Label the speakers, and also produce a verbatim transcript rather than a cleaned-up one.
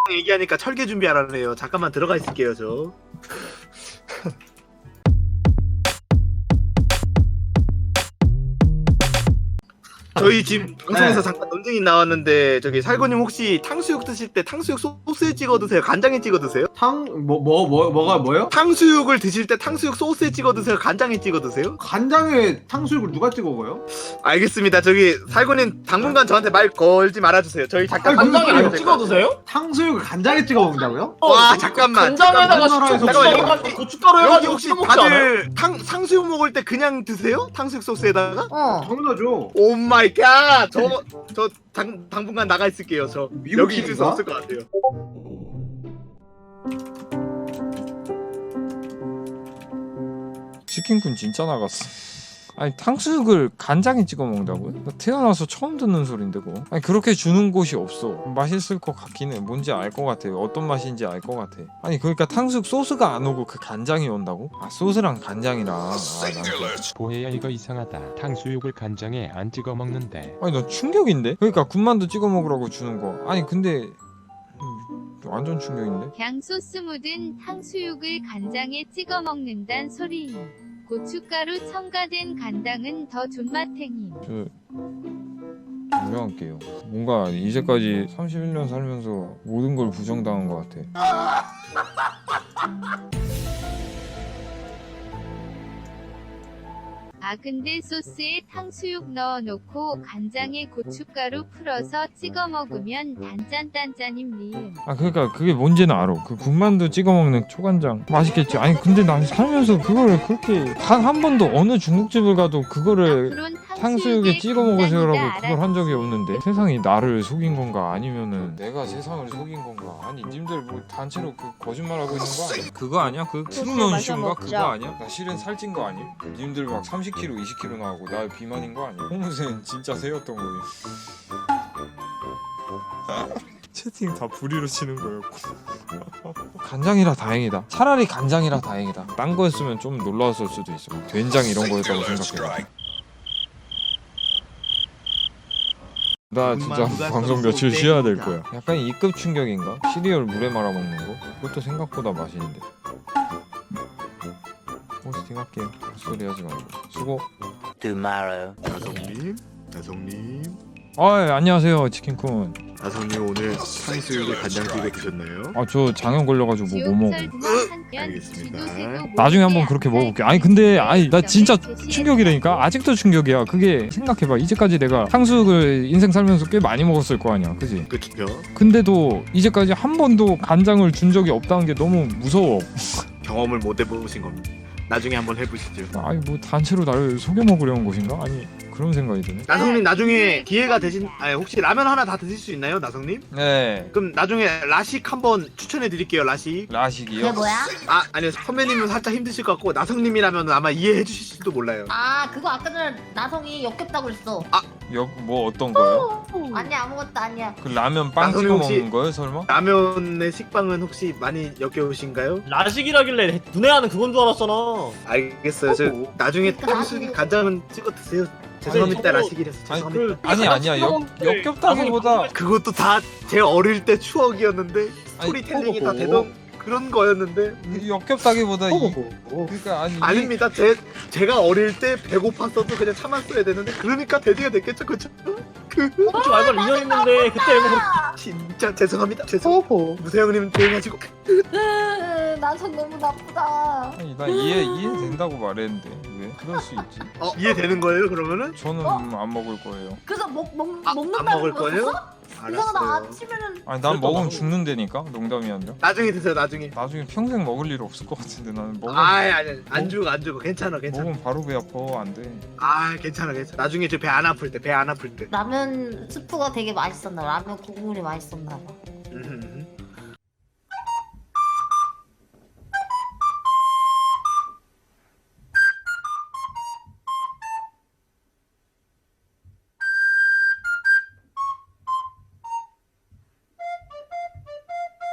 Speaker 1: 얘기하니까 철개 준비하라네요. 잠깐만 들어가 있을게요 저. 저희 지금 방송에서
Speaker 2: 네.
Speaker 1: 잠깐 논쟁이 나왔는데 저기 살구님 혹시 탕수육 드실 때 탕수육 소스에 찍어 드세요? 간장에 찍어 드세요?
Speaker 2: 탕 뭐 뭐 뭐 뭐, 가 뭐요?
Speaker 1: 탕수육을 드실 때 탕수육 소스에 찍어 드세요? 간장에 찍어 드세요?
Speaker 2: 간장에 탕수육을 누가 찍어 먹어요?
Speaker 1: 알겠습니다. 저기 살구님 당분간 저한테 말 걸지 말아주세요. 저희 잠깐
Speaker 2: 아니,
Speaker 1: 방송에
Speaker 2: 간장에
Speaker 1: 안
Speaker 3: 찍어 드세요?
Speaker 2: 탕수육을 간장에 찍어 먹는다고요?
Speaker 1: 와 잠깐만.
Speaker 3: 간장에다가
Speaker 2: 잠깐만.
Speaker 3: 고춧가루 고춧가루
Speaker 1: 여기
Speaker 3: 해가지고
Speaker 1: 혹시
Speaker 3: 찍어 먹지 않아요?
Speaker 1: 다들 탕 탕수육 먹을 때 그냥 드세요? 탕수육 소스에다가?
Speaker 4: 어.
Speaker 2: 당연하죠.
Speaker 1: 오 마이 갓. 저저 당분간 나가 있을게요. 저 여기 있을 수
Speaker 2: 미국식인가?
Speaker 1: 없을 것 같아요.
Speaker 5: 치킨군 진짜 나갔어. 아니 탕수육을 간장에 찍어 먹는다고요? 나 태어나서 처음 듣는 소린데 그거. 아니 그렇게 주는 곳이 없어. 맛있을 것 같긴 해. 뭔지 알 것 같아. 어떤 맛인지 알 것 같아. 아니 그러니까 탕수육 소스가 안 오고 그 간장이 온다고? 아 소스랑 간장이랑. 아, 난 또-
Speaker 6: 보혜야 이거 이상하다. 탕수육을 간장에 안 찍어 먹는데.
Speaker 5: 아니 너 충격인데? 그러니까 군만두 찍어 먹으라고 주는 거. 아니 근데 음, 완전 충격인데?
Speaker 7: 그냥 소스 묻은 탕수육을 간장에 찍어 먹는단 소리. 고춧가루 첨가된 간장은 더 존맛탱이.
Speaker 5: 저 유명할게요. 뭔가 이제까지 삼십일 년 살면서 모든 걸 부정당한 것 같아.
Speaker 7: 아 근데 소스에 탕수육 넣어놓고 간장에 고춧가루 풀어서 찍어 먹으면 단짠단짠임 리은.
Speaker 5: 아 그러니까 그게 뭔지는 알아. 그 군만두 찍어 먹는 초간장 맛있겠지. 아니 근데 난 살면서 그거를 그렇게 단 한 번도 어느 중국집을 가도 그거를
Speaker 7: 앞으론
Speaker 5: 탕수육에 찍어 먹으세요라고
Speaker 7: 간장이다
Speaker 5: 그걸 한 적이 없는데 세상이 나를 속인 건가 아니면은 내가 세상을 속인 건가. 아니 님들 뭐 단체로 그 거짓말하고 있는 거 아니야? 그거 아니야? 그 트루먼 쇼인가 그거 아니야? 나 실은 살찐 거 아니야? 님들 막 삼십 킬로그램 이십 킬로그램 나오고 나 비만인 거 아니야? 홍무새는 진짜 새였던 거예요. 채팅 다 불의로 치는 거였고. 간장이라 다행이다. 차라리 간장이라 다행이다. 딴 거였으면 좀 놀라웠을 수도 있어. 막 된장 이런 거였다고 생각해. 나 진짜 방송 며칠 쉬어야 될 거야. 약간 이급 충격인가? 시리얼 물에 말아 먹는 거? 그것도 생각보다 맛있는데. 호스팅 할게. 소리 하지 말고. 수고.
Speaker 1: 나성님, 나성님,
Speaker 5: 아, 예, 안녕하세요, 치킨쿤.
Speaker 1: 나성님 오늘 탕수육을 간장찌개 드셨나요?
Speaker 5: 아, 저 장염 걸려가지고 뭐 못 먹어.
Speaker 1: 알겠습니다.
Speaker 5: 나중에 한번 그렇게 먹어볼게. 아니 근데 아니 나 진짜 충격이라니까. 아직도 충격이야. 그게 생각해봐. 이제까지 내가 탕수육을 인생 살면서 꽤 많이 먹었을 거 아니야, 그지?
Speaker 1: 그쵸?
Speaker 5: 근데도 이제까지 한 번도 간장을 준 적이 없다는 게 너무 무서워.
Speaker 1: 경험을 못 해보신 겁니다. 나중에 한번 해보시죠.
Speaker 5: 아니 뭐 단체로 나를 속여 먹으려는 것인가? 아니 그런 생각이 드네.
Speaker 1: 나성님 나중에 기회가 되신, 아니 혹시 라면 하나 다 드실 수 있나요, 나성님?
Speaker 5: 네.
Speaker 1: 그럼 나중에 라식 한번 추천해 드릴게요, 라식.
Speaker 5: 라식이요?
Speaker 4: 그게 뭐야?
Speaker 1: 아 아니요, 선배님은 살짝 힘드실 것 같고 나성님이라면 아마 이해해 주실지도 몰라요.
Speaker 4: 아 그거 아까 전에 나성이 역겹다고 그랬어.
Speaker 5: 역 뭐 어떤 거요?
Speaker 4: 아니 아무것도 아니야.
Speaker 5: 그 라면 빵
Speaker 1: 나성님
Speaker 5: 찍어
Speaker 1: 혹시-
Speaker 5: 먹는 거요, 설마?
Speaker 1: 라면의 식빵은 혹시 많이 역겨우신가요?
Speaker 3: 라식이라길래 눈에 하는 그건 줄 알았잖아.
Speaker 1: 알겠어요. 저 나중에 탕수육에 간장은 찍어 드세요. 죄송합니다,
Speaker 3: 저거-
Speaker 1: 라식이라서
Speaker 5: 아니
Speaker 1: 죄송합니다.
Speaker 3: 그-
Speaker 5: 아니 아니야. 역 역겹다기보다
Speaker 1: 그것도 다 제 어릴 때 추억이었는데
Speaker 5: 아니,
Speaker 1: 스토리텔링이 다
Speaker 3: 허허허.
Speaker 1: 되던 그런 거였는데.
Speaker 5: 역겹다기보다 이,
Speaker 1: 허허허.
Speaker 5: 그러니까 아니 이게-
Speaker 1: 아닙니다. 제 제가 어릴 때 배고팠어도 그냥 참았어야 되는데 그러니까 돼지가 됐겠죠, 그쵸? 그
Speaker 3: 그치 말고 이 년 했는데 그때 뭐
Speaker 1: 진짜 죄송합니다. 죄송. 무세형님 조용히 하시고.
Speaker 4: 으, 나성 너무 나쁘다.
Speaker 5: 아니 나 이해 이해된다고 말했는데 왜 그럴 수 있지?
Speaker 1: 어 이해되는 거예요, 그러면은?
Speaker 5: 저는
Speaker 4: 어?
Speaker 5: 안 먹을 거예요.
Speaker 4: 그래서 먹, 먹,
Speaker 1: 아, 안
Speaker 4: 먹는다는
Speaker 1: 먹을 거예요?
Speaker 4: 거였어? 이상하다.
Speaker 1: 알았어요.
Speaker 4: 아침에는
Speaker 5: 아니 난
Speaker 3: 그랬던
Speaker 5: 먹으면
Speaker 3: 나도-
Speaker 5: 죽는다니까. 농담이 아니라.
Speaker 1: 나중에 드세요, 나중에.
Speaker 5: 나중에 평생 먹을 일 없을 것 같은데 나는 먹으면
Speaker 1: 아이 아니 안 주고 안 주고 괜찮아, 괜찮아.
Speaker 5: 먹으면 바로 배 아파. 안 돼.
Speaker 1: 아 괜찮아, 괜찮아. 나중에 저 배 안 아플 때, 배 안 아플 때.
Speaker 4: 라면 스프가 되게 맛있었나 봐. 라면 국물이 맛있었나 봐.
Speaker 1: 음,